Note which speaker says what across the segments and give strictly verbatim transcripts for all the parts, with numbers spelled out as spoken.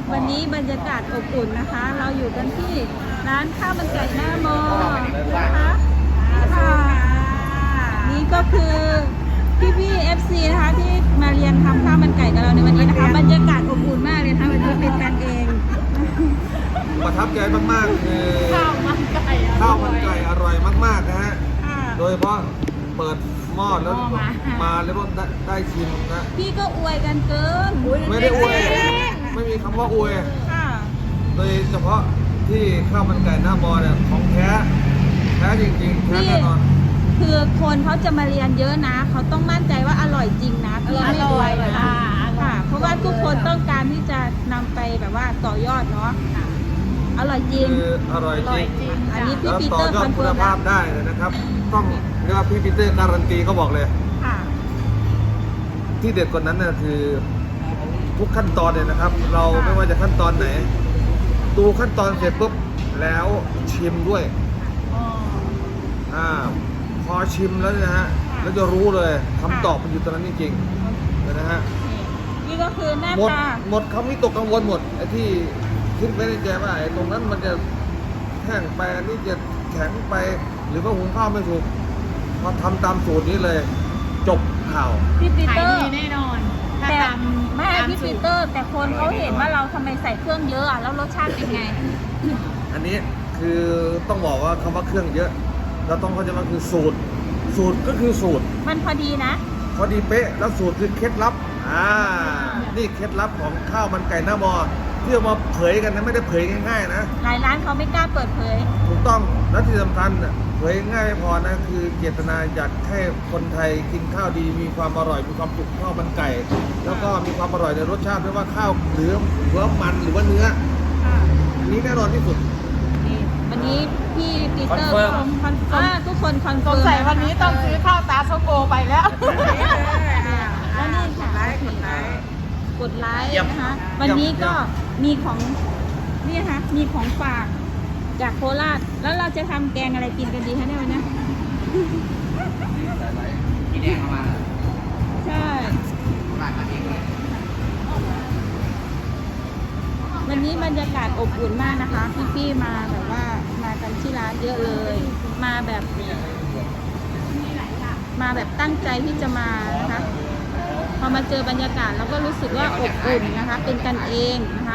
Speaker 1: วันนี้บรรยากาศอบอุ่นนะคะ เราอยู่กันที่ร้านข้าวมันไก่หน้ามอนะคะค่ะนี่ก็คือพี่พี่เอฟซีนะคะที่มาเรียนทำข้าวมันไก่กับเราในวันนี้นะคะบรรยากาศอบอุ่นมากเลยนะคะวันนี้เป็นกันเอง
Speaker 2: ประทับใจมากๆคือ
Speaker 1: ข้าวมันไก่
Speaker 2: ข้าวมันไก่อร่อยมากๆนะฮะ
Speaker 1: ค่ะ
Speaker 2: โดยเฉพาะเปิดหม้อแล้วมาแล้วก็ได้ได้ชิมนะ
Speaker 1: พี่ก็อวยกันเกิน
Speaker 2: ไม่ได้อวยไม่มีคำว่าอวย
Speaker 1: ค่ะ
Speaker 2: โดยเฉพาะที่ข้าวมันไก่หน้ามอเนี่ยของแท้แท้จริงๆแท้แน่นอน
Speaker 1: คือคนเขาจะมาเรียนเยอะนะเขาต้องมั่นใจว่าอร่อยจริงนะพี่ไม่อวยนะค่ะ เพราะว่าทุกคนต้องการที่จะนำไปแบบว่าต่อยอดเนาะอร่อยจริง
Speaker 2: คืออร่อยจริง
Speaker 1: อันนี้พี่
Speaker 2: แล้ว
Speaker 1: ปี
Speaker 2: ต่
Speaker 1: เต
Speaker 2: อ
Speaker 1: อร์
Speaker 2: ยอ
Speaker 1: ค
Speaker 2: ด
Speaker 1: อน
Speaker 2: คุ
Speaker 1: เฟิ
Speaker 2: ณ
Speaker 1: ร์ม
Speaker 2: ภาพได้เลยนะครับ ต้องเรียกว่าพี่ปีเตอร์การันตีเขาบอกเลย
Speaker 1: ค่ะ
Speaker 2: ที่เด็ดกว่านั้นน่ะคือทุกขั้นตอนเนี่ยนะครับ เราไม่ว่าจะขั้นตอนไหนดูขั้นตอนเสร็จปุ๊บแล้วชิมด้วยอ่าพอชิมแล้วเนยนะฮะแล้วจะรู้เลยคำตอบมันอยู่ตรงนั้นจริงๆนะฮะ
Speaker 1: นี่ก็คือหน้า
Speaker 2: หมด
Speaker 1: ตา
Speaker 2: หมดคำนี้ตกกังวลหมดไอ้ที่คิดไว้ในใจว่าไอ้ตรงนั้นมันจะแห้งไปอันนี้จะแข็งไปหรือว่าหุงข้าวไม่ถูกพอทำตามสูตรนี้เลย จบข่าว
Speaker 1: พี่ปี
Speaker 3: ขา
Speaker 1: เต
Speaker 3: ย
Speaker 1: อ
Speaker 3: ดี
Speaker 1: ร์
Speaker 3: แน่นอนถ้า
Speaker 1: แต่
Speaker 3: ตาม
Speaker 1: ไม่
Speaker 3: ตาม
Speaker 1: พี่
Speaker 3: สู
Speaker 1: ปี
Speaker 3: ตร
Speaker 1: เตอร์ แต่คนเขาเห็นว่าเราทำไมใส่เครื่องเยอะอะแล้วรสชาติเป็นไง
Speaker 2: อันนี้คือต้องบอกว่าคำว่าเครื่องเยอะ เราต้องเข้าใจว่าคือสูตร สูตรก็คือสูตร
Speaker 1: มันพอดีนะ
Speaker 2: พอดีเป๊ะแล้วสูตรคือเคล็ดลับอ่านี่เคล็ดลับของข้าวมันไก่หน้ามอที่เอามาเผยกันนะไม่ได้เผยง่ายๆนะ
Speaker 1: หลายร้านเขาไม่กล้าเปิดเผย
Speaker 2: ถูกต้องและที่สำคัญน่ะเผยง่ายไม่พอนะคือเจตนาอยากให้คนไทยกินข้าวดีมีความอร่อยมีความสุขข้าวมันไก่ แล้วก็มีความอร่อยในรสชาติไม่ว่าข้าวหรือหรือว่ามันหรือว่าเนื้ออันนี้แน่นอนที่สุด
Speaker 1: นี่วันนี้พี่ปีเตอร์
Speaker 2: คอนเฟิร์ม
Speaker 1: คอนเฟิร์มอ่าทุกคนคอน
Speaker 3: ส
Speaker 1: เฟิ
Speaker 3: ง
Speaker 1: ร์ม
Speaker 3: สัยวันนี้ต้องซื้อข้าวตาโซโกไปแล้ว
Speaker 1: แล้วนี่ค่ะกดไลค์นะคะ วันนี้ก็มีของนี่นะคะมีของฝากจากโคราช แล้วเราจะทำแกงอะไรกินกันดีคะเนี่ยวันนี้
Speaker 4: พี่แดงเอามา
Speaker 1: ใช่
Speaker 4: ฝากมาเองเลย
Speaker 1: วันนี้บรรยากาศอบอุ่นมากนะคะ พี่ๆมาแบบว่ามากันที่ร้านเยอะเลย มาแบบมาแบบตั้งใจที่จะมานะคะพอมาเจอบรรยากาศเราก็รู้สึกว่าอบอุ่นนะคะ เป็นกันเองนะคะ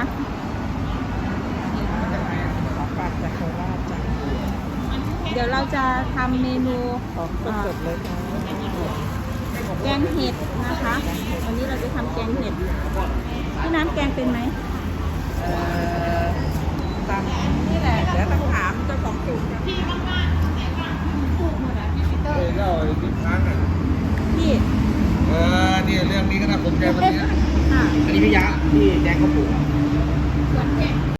Speaker 3: ฝากจากโคราชจ้ะ
Speaker 1: เดี๋ยวเราจะทำเมนู
Speaker 3: ของสดๆเลยค่ะ
Speaker 1: แกงเห็ดนะคะ วันนี้เราจะทำแกงเห็ดพี่น้ำแกงเป็นไหม
Speaker 3: เอ่อตามนี่แหละเดี๋ยวต้องถามเจ้าของสูตรพี่
Speaker 2: เออเล่าไอ้ที่ค้างอ่ะ
Speaker 1: พี่
Speaker 2: เออเนี่ยเรื่องนี้ก็น่าสนใจวันนี้
Speaker 1: ค่ะ
Speaker 4: อันนี้พี่ยะพี่แดงเขาปลูก